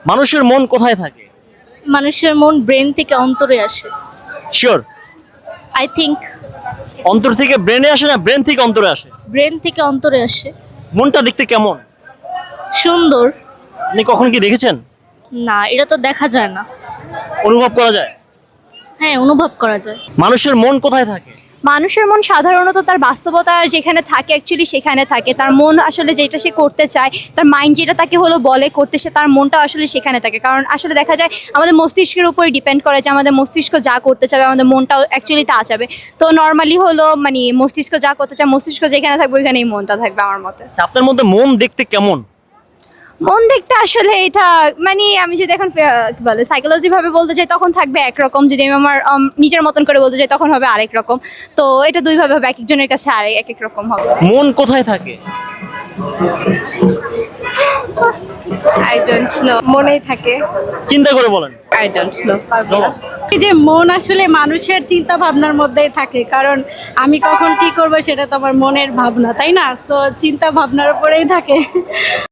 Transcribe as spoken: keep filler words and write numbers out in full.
মানুষের মন কোথায় থাকে? মানুষের মন ব্রেন থেকে অন্তরে আসে। শিওর? আই থিংক অন্তর থেকে ব্রেনে আসে না ব্রেন থেকে অন্তরে আসে? ব্রেন থেকে অন্তরে আসে। মনটা দেখতে কেমন? সুন্দর। আপনি কখন কি দেখেছেন? না, এটা তো দেখা যায় না। অনুভব করা যায়? হ্যাঁ, অনুভব করা যায়। মানুষের মন কোথায় থাকে? মানুষের মন সাধারণত তার বাস্তবতা যেখানে থাকে অ্যাকচুয়ালি সেখানে থাকে। তার মন আসলে যেটা সে করতে চায়, তার মাইন্ড যেটা তাকে হলো বলে করতে, সে তার মনটা আসলে সেখানে থাকে। কারণ আসলে দেখা যায় আমাদের মস্তিষ্কের উপরে ডিপেন্ড করে যে আমাদের মস্তিষ্ক যা করতে চাবে আমাদের মনটাও অ্যাকচুয়ালি তা চাবে। তো নর্মালি হলো মানে মস্তিষ্ক যা করতে চায়, মস্তিষ্ক যেখানে থাকবে ওইখানেই মনটা থাকবে আমার মতে। আচ্ছা, আপনার মধ্যে মন দেখতে কেমন? মন দেখতে আসলে এটা মানে আমি যদি এখন আহ, কি বলে সাইকোলজি ভাবে বলতে চাই তখন থাকবে একরকম, যদি আমি আমার উম, নিজের মতন করে বলতে চাই তখন হবে আরেক রকম। তো এটা দুই ভাবে হবে, এক একজনের কাছে আরেক এক এক রকম হবে। মন কোথায় থাকে? আই ডোন্ট নো, মনেই থাকে। চিন্তা করে বলেন। I don't know. বলো। এই যে মন আসলে মানুষের চিন্তা ভাবনার মধ্যেই থাকে, কারণ আমি কখন কি করব সেটা তো আমার মনের ভাবনা, তাই না? সো চিন্তা ভাবনার উপরেই থাকে।